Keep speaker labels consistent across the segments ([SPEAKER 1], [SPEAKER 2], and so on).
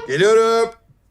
[SPEAKER 1] Geliyorum.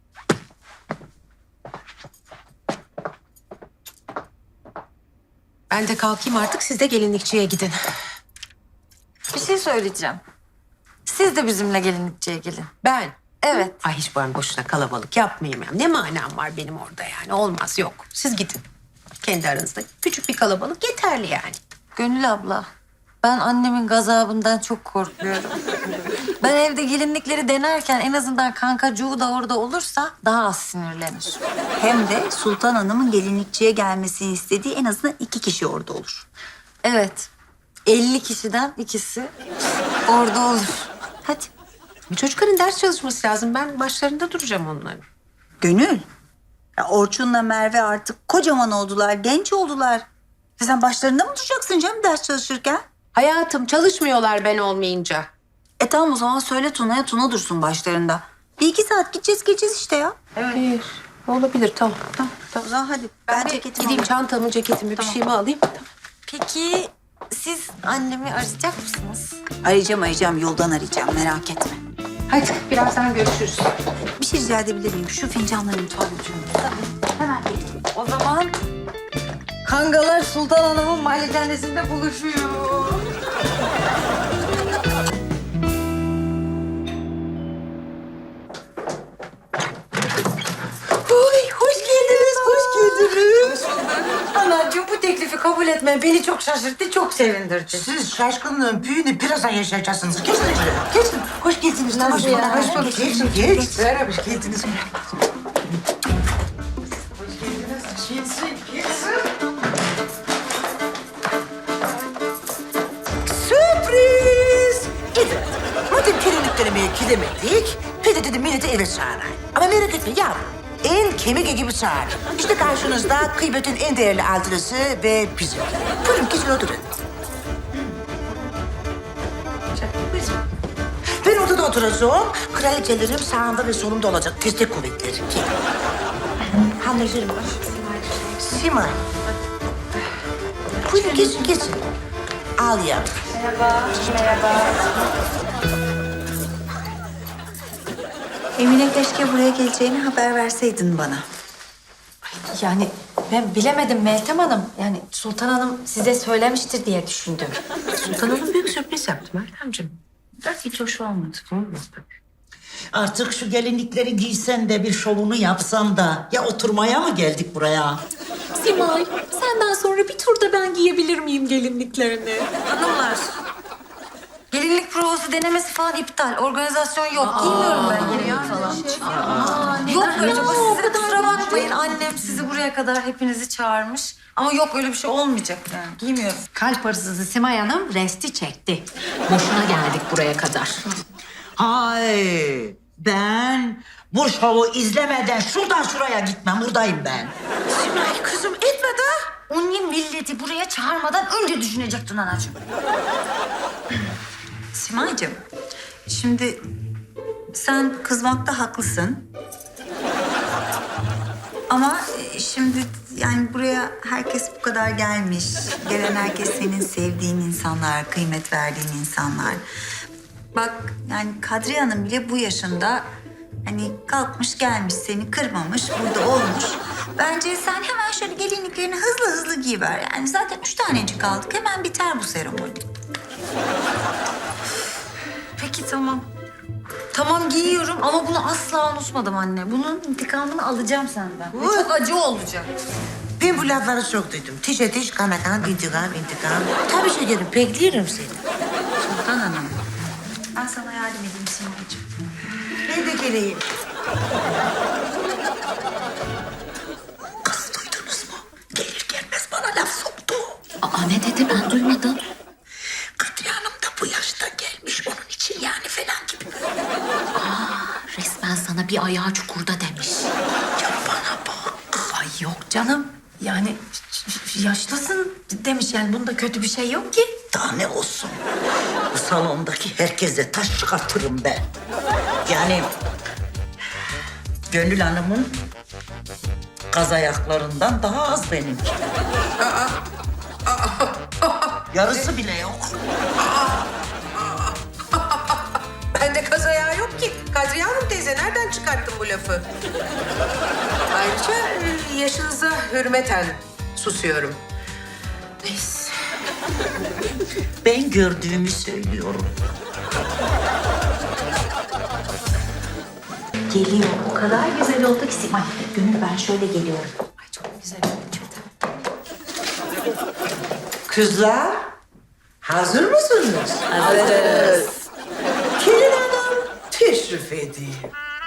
[SPEAKER 2] Ben de kalkayım artık, siz de gelinlikçiye gidin.
[SPEAKER 3] Bir şey söyleyeceğim. Siz de bizimle gelinlikçiye gelin.
[SPEAKER 2] Ben?
[SPEAKER 3] Evet.
[SPEAKER 2] Ay hiç ben boşuna kalabalık yapmayayım ya. Ne manam var benim orada yani? Olmaz, yok. Siz gidin. Kendi aranızda. Küçük bir kalabalık yeterli yani.
[SPEAKER 3] Gönül abla, ben annemin gazabından çok korkuyorum. Ben evde gelinlikleri denerken en azından kankacuğu da orada olursa daha az sinirlenir.
[SPEAKER 4] Hem de Sultan Hanım'ın gelinlikçiye gelmesini istediği en azından 2 kişi orada olur.
[SPEAKER 3] Evet, 50 kişiden ikisi orada olur.
[SPEAKER 4] Hadi.
[SPEAKER 2] Çocukların ders çalışması lazım. Ben başlarında duracağım onların.
[SPEAKER 4] Gönül. Ya Orçun'la Merve artık kocaman oldular, genç oldular. Ya sen başlarında mı duracaksın canım ders çalışırken?
[SPEAKER 2] Hayatım, çalışmıyorlar ben olmayınca.
[SPEAKER 4] Tamam o zaman söyle Tuna'ya, Tuna dursun başlarında. 1-2 saat gideceğiz geleceğiz işte ya.
[SPEAKER 2] Evet. Olabilir, tamam. Tamam.
[SPEAKER 4] O zaman hadi.
[SPEAKER 2] Ben
[SPEAKER 4] ceketimi
[SPEAKER 2] gideyim
[SPEAKER 4] alayım.
[SPEAKER 2] çantamı, ceketimi, bir şeyimi alayım. Tamam.
[SPEAKER 3] Peki siz annemi arayacak mısınız?
[SPEAKER 4] Arayacağım yoldan arayacağım merak etme.
[SPEAKER 2] Hadi, birazdan görüşürüz.
[SPEAKER 4] Bir şey rica edebilir miyim? Şu fincanları mutfağa götürüyorum. Tabii. Hemen gelin.
[SPEAKER 3] O zaman kangalar Sultan Hanım'ın malikanesinde buluşuyor.
[SPEAKER 2] Oy, hoş geldiniz, hoş geldiniz.
[SPEAKER 3] Anacığım bu teklifi kabul etmen beni çok şaşırttı, çok sevindirdi.
[SPEAKER 5] Siz şaşkınlığın büyüğünü birazdan yaşayacaksınız. Geçin şuraya. Geçin. Hoş geldiniz.
[SPEAKER 3] Nasıl ya?
[SPEAKER 5] Hoş bulduk. Geçin. Geç. Beraber hoş geldiniz. Sürpriz. Evet. Madem gelinliklerime gidemedik, bir de dedim milleti eve çağırayım. Ama merak etme yavrum. En kemik gibi çağır. İşte karşınızda kıymetin en değerli altınısı ve bizim. Buyurun geçin oturun. Ben ortada oturacağım. Kraliçelerim sağımda ve solumda olacak. Destek kuvvetleri. Anlaşırım. Simay. Buyurun geçin. Al yavrum.
[SPEAKER 4] Emine keşke buraya geleceğini haber verseydin bana.
[SPEAKER 3] Yani ben bilemedim Meltem Hanım. Yani Sultan Hanım size söylemiştir diye düşündüm.
[SPEAKER 2] Sultan Hanım büyük sürpriz yaptı Meltemciğim. Hiç hoş olmadı. Olmaz tabii.
[SPEAKER 5] Artık şu gelinlikleri giysen de bir şovunu yapsan da ya oturmaya mı geldik buraya?
[SPEAKER 6] Simay, senden sonra bir turda ben giyebilir miyim gelinliklerini?
[SPEAKER 3] Hanımlar. Gelinlik provası denemesi falan iptal. Organizasyon yok. Giymiyorum ben gelinlik falan. Yok öyle. Siz de kusura bakmayın. Annem sizi buraya kadar hepinizi çağırmış. Ama yok öyle bir şey olmayacak yani. Giymiyorum.
[SPEAKER 6] Kalp hırsızı Simay Hanım resti çekti. Boşuna geldik buraya kadar.
[SPEAKER 5] Hay ben bu şovu izlemeden şuradan şuraya gitmem. Buradayım ben.
[SPEAKER 3] Simay kızım etme de. Onun milleti buraya çağırmadan önce düşünecektin anacığım.
[SPEAKER 4] Simay'cığım, şimdi sen kızmakta haklısın. Ama şimdi yani buraya herkes bu kadar gelmiş. Gelen herkes senin sevdiğin insanlar, kıymet verdiğin insanlar. Bak yani Kadriye Hanım bile bu yaşında hani kalkmış gelmiş seni kırmamış, burada olmuş. Bence sen hemen şöyle gelinliklerini hızlı hızlı giyiver. Yani zaten 3 tanecik kaldık. Hemen biter bu seremoni.
[SPEAKER 3] Peki tamam. Tamam giyiyorum ama bunu asla unutmadım anne. Bunun intikamını alacağım senden. Ve çok acı olacak.
[SPEAKER 5] Ben bu lafları çok duydum. Tiş ateş, kan akan, intikam. Tabii şekerim, bekliyorum seni.
[SPEAKER 4] Sultan Hanım, ben sana yardım edeyim Simay'cığım.
[SPEAKER 5] Ben de geleyim. Kız duydunuz mu? Gelir gelmez bana laf soktu.
[SPEAKER 6] Aa ne dedi ben duymadım.
[SPEAKER 5] Kadriye Hanım da bu yaşta gelmiş onun için yani falan gibi.
[SPEAKER 6] Resmen sana bir ayağı çukurda demiş.
[SPEAKER 5] Ya bana bak.
[SPEAKER 3] Ay yok canım. Yani yaşlısın demiş yani bunda kötü bir şey yok ki.
[SPEAKER 5] Daha ne olsun? Bu salondaki herkese taş çıkartırım ben. Yani Gönül Hanım'ın kaz ayaklarından daha az benimki. Yarısı bile yok.
[SPEAKER 2] Bende kaz ayağı yok ki. Kadriye Hanım teyze nereden çıkar? bu lafı. Ayrıca yaşınıza hürmeten susuyorum. Neyse.
[SPEAKER 1] Ben gördüğümü söylüyorum.
[SPEAKER 7] Geliyor. O kadar güzel oldu ki Simay. Gönül ben şöyle geliyorum.
[SPEAKER 2] Ay çok güzel oldu Çetin.
[SPEAKER 5] Kızlar, hazır mısınız? Hazırız. Gelin hanım, teşrif edeyim.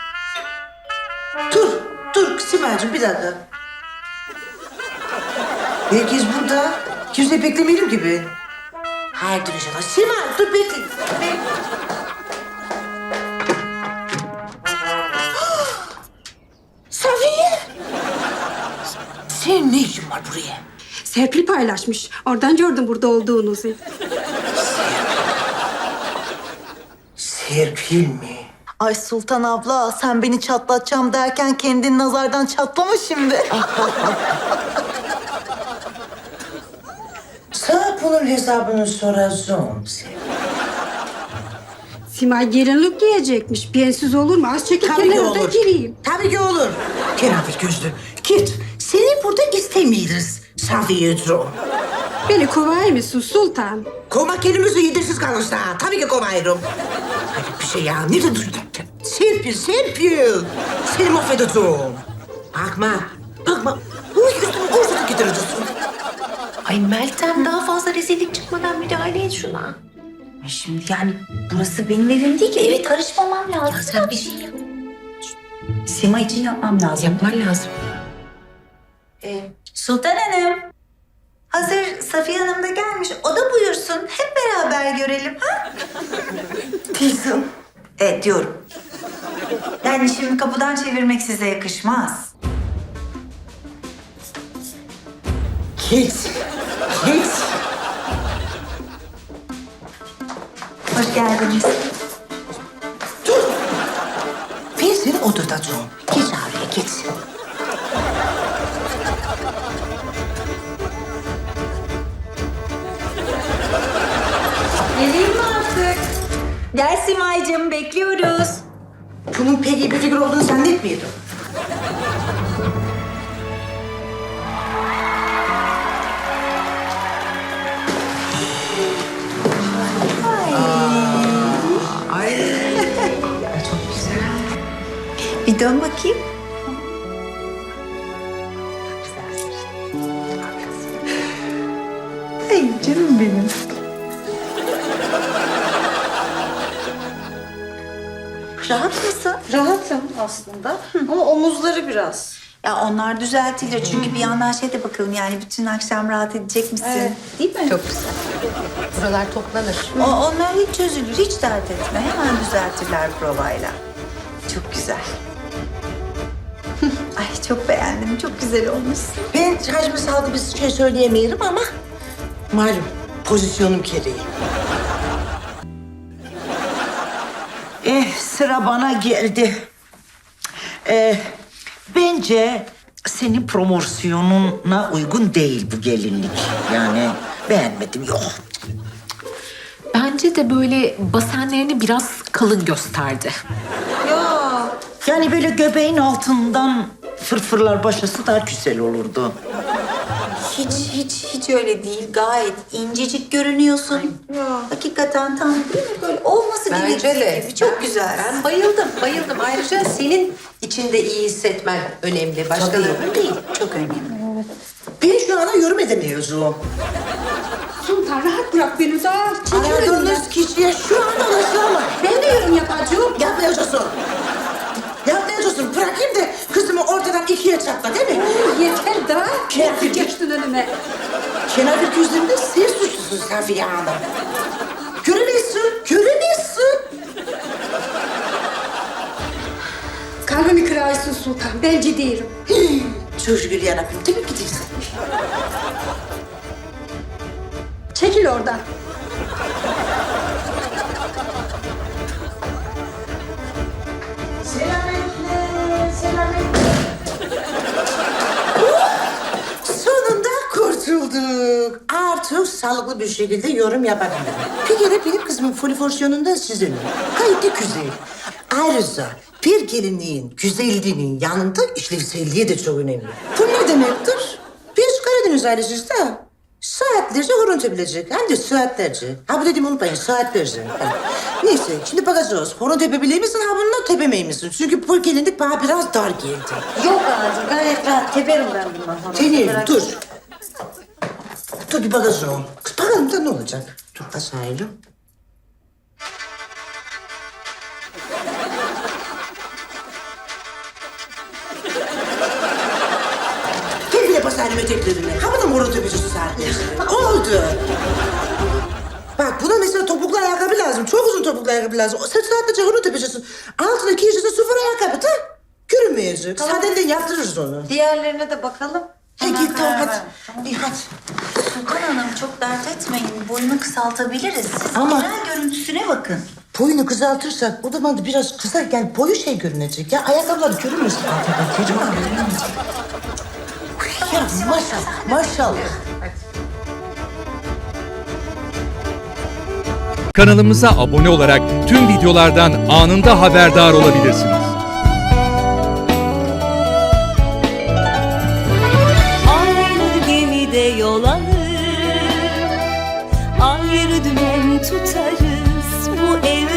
[SPEAKER 5] Dur Simay'cığım bir dakika. Herkes burada. Kimse beklemeyelim gibi. Hayır dur inşallah. Simay dur bekle. Safiye! Senin ne işin var buraya?
[SPEAKER 8] Serpil paylaşmış. Oradan gördüm burada olduğunuzu.
[SPEAKER 5] Serpil mi?
[SPEAKER 3] Ay Sultan abla sen beni çatlatacağım derken kendin nazardan çatlama şimdi.
[SPEAKER 5] Sana bunun hesabını soracağım.
[SPEAKER 8] Simay gelinlik giyecekmiş. Bensiz olur mu? Az çekil
[SPEAKER 5] Tabii ki
[SPEAKER 8] kenara da
[SPEAKER 5] olur.
[SPEAKER 8] gireyim.
[SPEAKER 5] Tabii ki olur. Kenafir gözlü. Git. Seni burada istemiyoruz. Safiye'cim.
[SPEAKER 8] Beni kovay mısın sultan?
[SPEAKER 5] Kovmak kelimesi yedirsiz kalırsa. Tabii ki kovarım. Hayır bir şey ya. Nereden duydun? Serpil. Seni mahvedeceğim. Bakma. Bu üstümü korsada getireceksin.
[SPEAKER 2] Ay Meltem daha fazla rezillik çıkmadan müdahale et şuna.
[SPEAKER 7] Şimdi yani burası benim evim değil ki. Eve karışmamam lazım.
[SPEAKER 2] Ya sen bir şey yap.
[SPEAKER 7] Sima için yapmam lazım.
[SPEAKER 2] Yapman lazım.
[SPEAKER 4] Sultan Hanım. Hazır Safiye Hanım da gelmiş. O da buyursun. Hep beraber görelim ha?
[SPEAKER 5] Kızım.
[SPEAKER 4] Diyorum. Yani şimdi kapıdan çevirmek size yakışmaz.
[SPEAKER 5] Git.
[SPEAKER 4] Hoş geldiniz.
[SPEAKER 5] Dur. Ben seni oturtacağım. Geç araya geç.
[SPEAKER 4] Geleyim mi artık? Gel Simay'cığım bekliyoruz.
[SPEAKER 5] Bunun pek iyi bir fikir olduğunu zannetmiyordum.
[SPEAKER 4] Bir dön bakayım. Ay canım benim. Rahat mısın?
[SPEAKER 3] Rahatım aslında ama omuzları biraz.
[SPEAKER 4] Ya onlar düzeltilir çünkü bir yandan şey de bakalım yani bütün akşam rahat edecek misin? Değil mi?
[SPEAKER 2] Çok güzel. Buralar toplanır.
[SPEAKER 4] Onlar hiç çözülür, hiç dert etme. Hemen düzeltirler provayla. Çok güzel. Ay çok beğendim, çok güzel olmuşsun.
[SPEAKER 5] Ben hacmi saldı bir şey söyleyemeyelim ama malum pozisyonum gereği.
[SPEAKER 1] Sıra bana geldi. Bence senin promosyonuna uygun değil bu gelinlik. Yani beğenmedim, yok.
[SPEAKER 6] Bence de böyle basenlerini biraz kalın gösterdi.
[SPEAKER 1] Yani böyle göbeğin altından fırfırlar başlasa daha güzel olurdu.
[SPEAKER 4] Hiç öyle değil. Gayet incecik görünüyorsun. Hakikaten tam değil mi? Böyle olması
[SPEAKER 2] Bence
[SPEAKER 4] gerektiği
[SPEAKER 2] de.
[SPEAKER 4] gibi. Çok güzel.
[SPEAKER 2] Ben bayıldım. Ayrıca senin içinde iyi hissetmen önemli. Başkalarının değil.
[SPEAKER 4] Çok önemli.
[SPEAKER 5] Ben şu anda yorum edemiyorum.
[SPEAKER 8] Sultan rahat bırak beni daha. Çekil önümden.
[SPEAKER 5] Aradığınız kişiye şu anda ulaşılamam.
[SPEAKER 8] Ben de yorum yapacağım.
[SPEAKER 5] Yapmayacaksın. Bırakayım da kızımı ortadan ikiye çatla değil mi?
[SPEAKER 8] Yeter daha.
[SPEAKER 5] Kenafir
[SPEAKER 8] Geçtin önüme.
[SPEAKER 5] Kenafir gözlerinde sen suçlusun Safiye Hanım. Göremezsin.
[SPEAKER 8] Kalbimi kırarsın sultan. Ben ciddiyim.
[SPEAKER 5] Çok şükür yarabbim. Tabii ki değilsin.
[SPEAKER 8] Çekil oradan.
[SPEAKER 5] Sonunda kurtulduk. Artık sağlıklı bir şekilde yorum yapabilirim. Bir kere benim kızımın poliforsiyonunda sizin. Gayet de güzel. Ayrıca Bir gelinliğin güzelliğinin yanında işlevselliği de çok önemli. Bu ne demektir? Biz Karadeniz ailesiyiz de saatlerce horon tepilecek. Hem de saatlerce. Ha bu dediğimi unutmayın, saatlerce. Ha. Neyse, şimdi bakacağız. Horon tepebilir misin, ha bunu tepemey misin? Çünkü bu gelinlik bana biraz dar geldi.
[SPEAKER 3] Yok anacığım gayet rahat teperim ben bundan.
[SPEAKER 5] Deneyim, dur. Dur bir bakacağım. Kız bakalım da ne olacak? Dur basayım. Gel bile basayım eteklerine. Ha bu da morun tepecisi saatlerce. Oldu. Bak buna mesela topuklu ayakkabı lazım. Çok uzun topuklu ayakkabı lazım. Sen saatlerce horun tepecisi. Altına giyeceksin sıfır ayakkabı da. Görünmeyecek.
[SPEAKER 3] Tamam.
[SPEAKER 5] Sadece yaptırırız onu.
[SPEAKER 3] Diğerlerine de bakalım.
[SPEAKER 5] Hey
[SPEAKER 3] Hemen
[SPEAKER 5] git tamam
[SPEAKER 3] karar
[SPEAKER 5] hadi.
[SPEAKER 3] ver.
[SPEAKER 5] İyi hadi.
[SPEAKER 4] Sultan Hanım çok dert etmeyin. Boyunu kısaltabiliriz. Siz
[SPEAKER 5] Ama-
[SPEAKER 4] genel görüntüsüne bakın.
[SPEAKER 5] Boyunu kısaltırsak o zaman da biraz kısa yani boyu şey görünecek ya. Ayakkabıları görünmesin. Ya maşallah, maşallah.
[SPEAKER 9] Kanalımıza abone olarak tüm videolardan anında haberdar olabilirsiniz.
[SPEAKER 10] Aynı gemide yol alır, ayrı dümen tutarız bu evde.